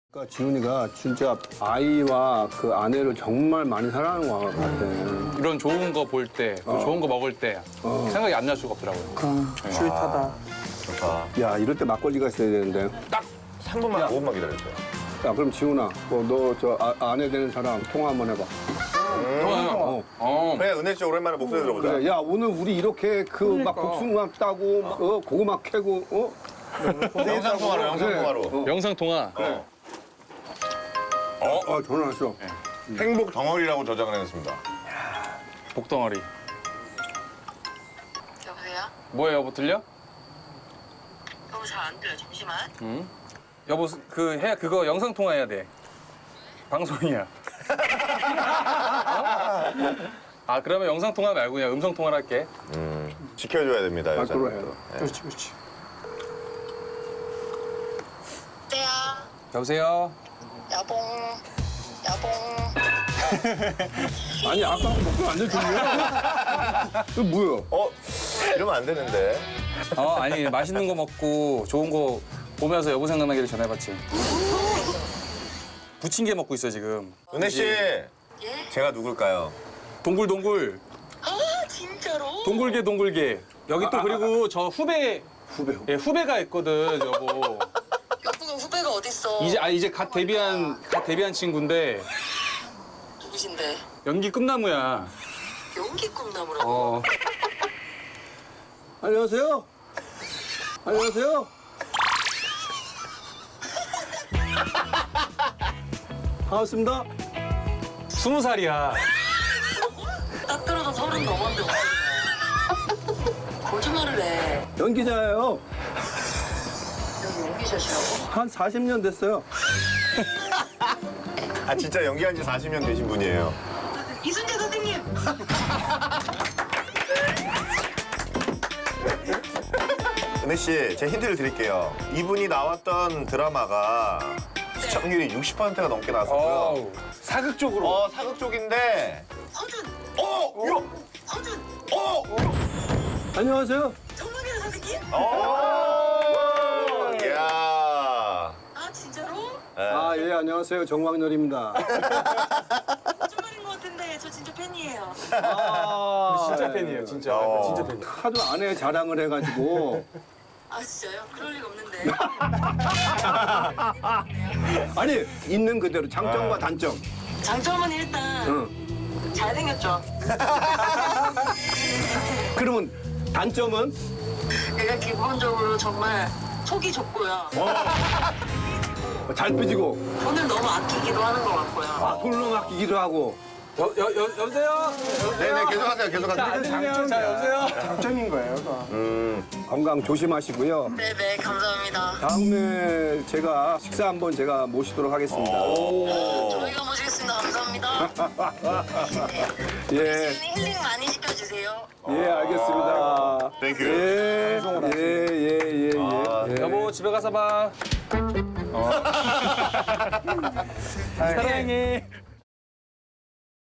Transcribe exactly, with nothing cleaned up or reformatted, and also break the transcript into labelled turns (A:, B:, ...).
A: 그러니까 지훈이가 진짜 아이와 그 아내를 정말 많이 사랑하는 것 같아.
B: 이런 좋은 거 볼 때,
A: 어.
B: 좋은 거 먹을 때
A: 어.
B: 생각이 안 날 수가 없더라고요.
C: 그 스윗하다.
D: 좋다.
A: 야, 이럴 때 막걸리가 있어야 되는데.
D: 딱 삼 분만, 오 분만 기다려주세요.
A: 야, 그럼 지훈아, 뭐 너 저 아내 되는 사람 통화 한번 해봐.
B: 통화요?
A: 어.
B: 어.
D: 그래, 은혜 씨 오랜만에 목소리 들어보자.
A: 그래, 야, 오늘 우리 이렇게 그 막 복숭아 따고, 막, 어, 고구마 캐고, 어?
D: 영상 통화로, 영상 통화로.
A: 어.
B: 영상 통화.
D: 어.
A: 어, 전화 왔어.
D: 행복 덩어리라고 저장을 해놨습니다.
B: 복덩어리.
E: 여보세요?
B: 뭐예요, 여보 들려?
E: 여보 잘 안 들려. 잠시만.
B: 응? 여보 그 해 그거 영상 통화해야 돼. 방송이야. 어? 아 그러면 영상 통화 말고 그냥 음성 통화를 할게.
D: 음, 지켜줘야 됩니다,
A: 밖으로
D: 여자는.
A: 해.
C: 그렇지, 그렇지.
E: 때야.
B: 여보세요.
E: 야봉. 야봉.
A: 아니, 아까 목소리 안 들리냐? 이거 뭐야?
D: 어? 이러면 안 되는데.
B: 어 아니 맛있는 거 먹고 좋은 거 보면서 여보 생각나기를 전해봤지. 부침개 먹고 있어 지금.
D: 은혜 씨,
E: 예?
D: 제가 누굴까요?
B: 동굴동굴.
E: 아 진짜로?
B: 동굴개 동굴개. 여기 또 그리고 저 후배
A: 후배.
B: 예, 후배가 있거든 여보.
E: 여보가 후배가 어딨어?
B: 이제 아 이제 갓 데뷔한 갓 데뷔한 친구인데
E: 누구신데?
B: 연기 꿈나무야.
E: 연기 꿈나무라고?
B: 어.
A: 안녕하세요. 안녕하세요. 반갑습니다.
B: 스무 살이야.
E: 딱 들어도 서른 넘었는데 어떡해. 거짓말을 해.
A: 연기자예요.
E: 여기 연기샷이라고?
A: 한 사십 년 됐어요.
D: 아, 진짜 연기한 지 사십 년 되신 분이에요.
E: 이순재 선생님!
D: 은혜 씨, 제가 힌트를 드릴게요. 이분이 나왔던 드라마가 시청률이 육십 퍼센트가 넘게 나왔었고요.
B: 어우, 사극 쪽으로.
D: 어, 사극 쪽인데.
E: 허준!
D: 어! 요!
E: 허준!
D: 어!
A: 안녕하세요.
E: 정국이네 선생님?
D: 어! 이야.
E: 아 진짜로?
D: 네.
A: 아, 예, 안녕하세요. 정광렬입니다.
E: 거짓말인 것 같은데 저 진짜 팬이에요.
A: 아,
B: 진짜 팬이에요, 진짜.
D: 어.
B: 진짜 팬이에요.
A: 하도 아내 자랑을 해가지고.
E: 아 진짜요? 그럴 리가 없는데.
A: 아니, 있는 그대로 장점과 단점.
E: 장점은 일단
A: 응.
E: 잘생겼죠.
A: 그러면 단점은?
E: 내가 기본적으로 정말 속이 좁고요.
A: 잘 삐지고,
E: 돈을 너무 아끼기도 하는 것 같고요.
A: 아, 돈을 아끼기도 하고.
B: 여, 여, 여, 여보세요?
D: 네네, 계속하세요, 계속하세요.
B: 안 들리면 자, 여보세요?
C: 장점인 거예요, 그거.
D: 음.
A: 건강 조심하시고요.
E: 네네 감사합니다.
A: 다음에 제가 식사 한번 제가 모시도록 하겠습니다.
E: 저희가 모시겠습니다. 감사합니다.
A: 예,
E: 힐링 많이 시켜주세요.
A: 예, 알겠습니다.
D: 땡큐.
A: 예, 예, 예, 예,
D: 아,
A: 예.
B: 여보, 집에 가서 봐. 어. 사랑해.